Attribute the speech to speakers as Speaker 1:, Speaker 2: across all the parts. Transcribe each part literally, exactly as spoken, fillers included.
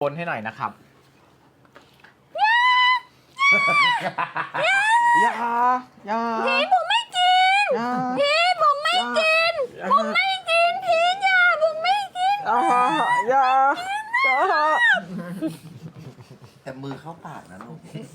Speaker 1: คนให้หน่อยนะครับอย่าอย่า
Speaker 2: พี่ผมไม่กินพี่ผมไม่กินผมไม่กินพี่อย่าผมไม่กิน
Speaker 1: อย่าอย่า
Speaker 3: แต่มือเข้าปากนะลูก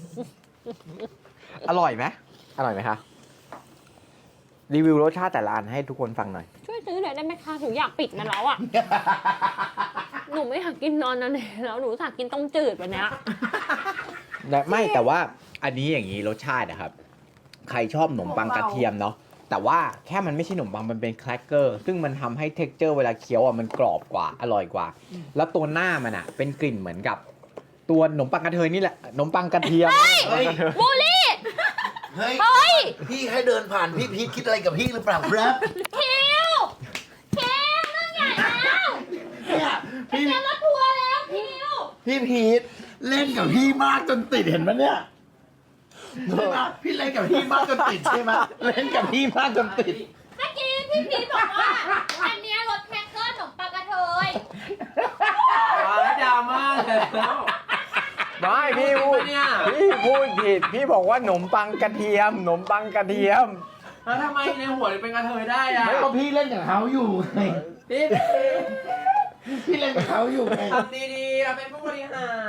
Speaker 1: อร่อยไหมอร่อยไหมคะรีวิวรสชาติแต่ละอันให้ทุกคนฟังหน่อย
Speaker 2: ช่วยซื้อหน่อยได้ไหมคะหนูอยากปิดมันแล้วอ่ะหนูไม่อยากกินนอนนั่นเองแล้วหนูอยากกินต้มจืดวันนี้
Speaker 1: ไม่แต่ว่าอันนี้อย่างนี้รสชาตินะครับใครชอบขนมปังกระเทียมเนาะแต่ว่าแค่มันไม่ใช่ขนมปังมันเป็นแครกเกอร์ซึ่งมันทำให้เท็กเจอร์เวลาเคี้ยวอ่ะมันกรอบกว่าอร่อยกว่าแล้วตัวหน้ามันอ่ะเป็นกลิ่นเหมือนกับตัวขนมปังกระเทยนี่แหละขนมปังกระเทียม
Speaker 2: บูลลี่
Speaker 3: เฮ้ยเฮ้ยพี่แค่เดินผ่านพี่พีทคิดอะไรกับพี่หรือเปล่าครับ
Speaker 2: คิวคิวเรื่องใหญ่แล้ว
Speaker 3: เนี่ย
Speaker 2: พี่จะรถทัวร์แล้วคิว
Speaker 3: พี่พีทเล่นกับพี่มากจนติดเห็นไหมเนี่ยใช่ไหมพี่เล่นกับพี่มากจนติดใช่ไหมเล่นกับพี่มากจนติด
Speaker 2: เมื่อกี้พี่พีทบอกว่าอันนี้รถแคคเกอร์ขนมปังกระเทย
Speaker 1: ดราม่าแล้วไม่พี่พูดพี่พูดผิดพี่บอกว่าขนมปังกระเทียมขนมปังกระเทียม
Speaker 4: แล้วทำไมในหัวเป็นกระเทยได้อะ
Speaker 3: ไม่ก็พี่เล่นกับเขาอยู่ไง
Speaker 4: พี่
Speaker 3: พี่เล่นกับเขาอยู่ไง
Speaker 4: ทำดีๆเราเป็นผู้บริหาร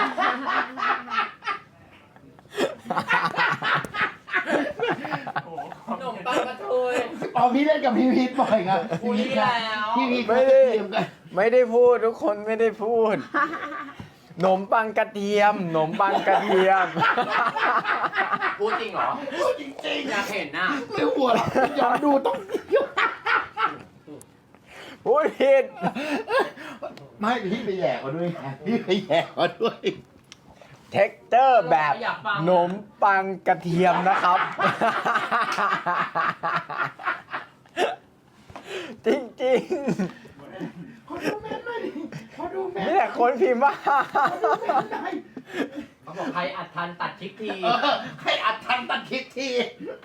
Speaker 4: ขนมปังกระเทย
Speaker 3: อ๋อพี่เล่นกับพี่พีทบ่อยไง
Speaker 4: พี่พีทแล้ว
Speaker 3: พี่พีท
Speaker 1: ไม่ได้ไม่ได้พูดทุกคนไม่ได้พูดขนมปังกระเทียมขนมปังกระเทียม
Speaker 4: พูดจริงเหรอ
Speaker 3: พูดจริง
Speaker 4: ๆอยากเห็นน่ะ
Speaker 3: ไม่หัวย้อนดูต้อง
Speaker 1: พูดผิด
Speaker 3: ไม่พี่ไปแย่เขาด้วยพี่ไปแย่เขาด้วย
Speaker 1: เท็กเจอร์แบบขนมปังกระเทียมนะครับจริงๆ
Speaker 3: ขอดูแม่หน่อยขอดูแม่
Speaker 1: นี่แหละคนพิมพ์ว่า
Speaker 4: เขาบอกใครอัดทันตัดคลิปที
Speaker 3: ใครอัดทันตัดคลิปที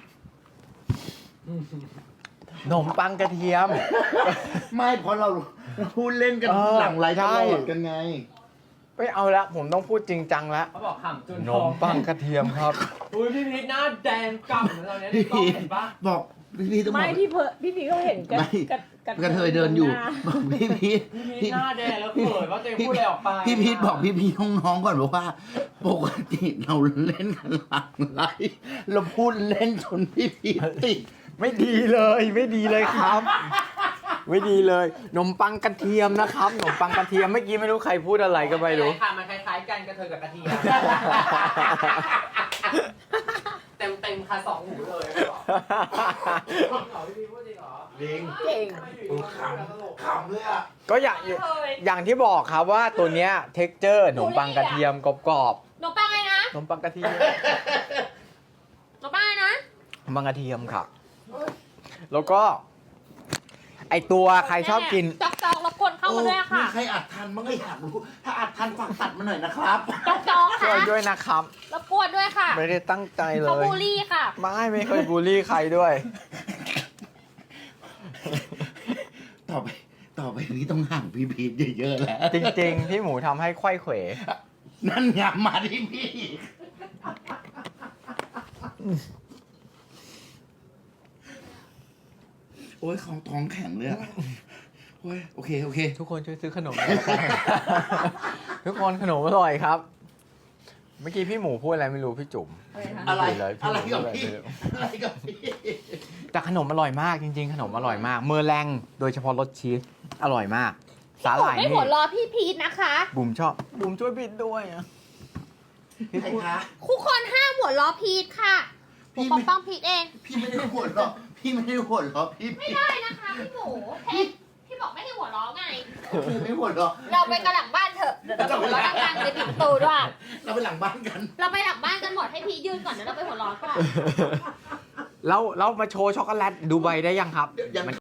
Speaker 1: ขนมปังกระเทียม
Speaker 3: ไม่เพราะเราพูดเล่นกันหลังไลฟ์ตลอดกันไง
Speaker 1: ไม่เอาละผมต้องพูดจริงจังแล้ว
Speaker 4: เขาบอกขำจน
Speaker 1: ขนมปังกระเทียมครับ
Speaker 4: อุ้ยพี่พีทหน้าแดงกำเราเนี่ยต้องเห็นปะ
Speaker 3: บอกพี่พีทต้องบอก
Speaker 2: ไม่พี่เพอพี่พีทเขาเห็นกัน
Speaker 3: กระเทยเดินอยู่บอกพี่พีท
Speaker 4: พี่หน้าแดงแล้วเขินว่าตัวเองพูดอะไรออกไป
Speaker 3: พี่พีทบอกพี่พีทน้องๆก่อนบอกว่าปกติเราเล่นกันหลังไลฟ์เราพูดเล่นจนพี่พีทติด
Speaker 1: ไม่ดีเลยไม่ดีเลยครับไม่ดีเลยขนมปังกระเทียมนะครับขนมปังกระเทียมเมื่อกี้ไม่รู้ใครพูดอะไรก็ไม่รู้
Speaker 4: ค่ะมันคล้ายๆกันกระเทยกับกระเทียมเต็มเต็มค่ะสองหูเลยพี่พูดจริงเหรอ
Speaker 3: ลิง
Speaker 2: เก่ง
Speaker 3: ขำขำเลยอ่ะ
Speaker 1: ก็อย่างอย่างที่บอกครับว่าตัวเนี้ยเท็กเจอร์ขนมปังกระเทียมกรอบ
Speaker 2: ๆขนมปังอะไรนะ
Speaker 1: ขนมปังกระเทียม
Speaker 2: ขนมปังอะไรนะ
Speaker 1: ขนมปังกระเทียมค่ะแล้วก็ไอตัวใครชอบกิน
Speaker 2: จอกจอกรบกวนเข้ามาด้วยค่ะ
Speaker 3: มีใครอัดทันมั้งก็อยากรู้ถ้าอัดทันฝากตัดมาหน่อยนะครับ
Speaker 2: จอกจอกค่ะ
Speaker 1: ช่วยด้วยนะครับ
Speaker 2: รบกวนด้วยค่ะ
Speaker 1: ไม่ได้ตั้งใจเลย
Speaker 2: เขาบูลลี่ค่ะ
Speaker 1: ไม่ไม่เคยบูลลี่ใครด้วย
Speaker 3: ต่อไปต่อไปนี้ต้องห่างพี่พีทเยอะๆแล้ว
Speaker 1: จริงๆพี่หมูทำให้ไขว้เขว
Speaker 3: นั่นไงมาที่พี่โอ้ยของท้องแข็งเลยอะโอ้ยโอเคโอเค
Speaker 1: ทุกคนช่วยซื้อขนมทุกคนขนมอร่อยครับเมื่อกี้พี่หมูพูดอะไรไม่รู้พี่จุ๋ม
Speaker 3: อะไรอะไรกับพี่อะไรกับพี่
Speaker 1: แต่ขนมอร่อยมากจริงๆขนมอร่อยมากเมอร์แรงโดยเฉพาะรสชีสอร่อยมากสาหร่ายนี่
Speaker 2: ไม่หัวรอพี่พีทนะคะ
Speaker 1: บุ๋มชอบบุ๋มช่วยพีทด้วยอ่ะ
Speaker 3: พี่พูด
Speaker 2: คู่คนห้ามหัวรอพีทค่ะผมปกป้องพีทเอง
Speaker 3: พี่ไม่ได้หัวเราะพี่ไม่ได้หัวเราะพี่
Speaker 2: ไม่ได้นะคะพี่หมูเท็พี่บอกไม่ให้หัวเราะไง
Speaker 3: พี่ไม่หัวเราะ
Speaker 2: เราไปกันหลังบ้านเถอะเดี๋ยวเราหัวเราะดังๆไปปิดประตูด้วย
Speaker 3: เราไปหลังบ้านกัน
Speaker 2: เราไปหลังบ้านกันหมดให้พี่ยืนก่อนเดี๋ยวเราไปหัวเราะก่อน
Speaker 1: แล้วเรามาโชว์ช็อกโกแลตดูใบได้ยังครับ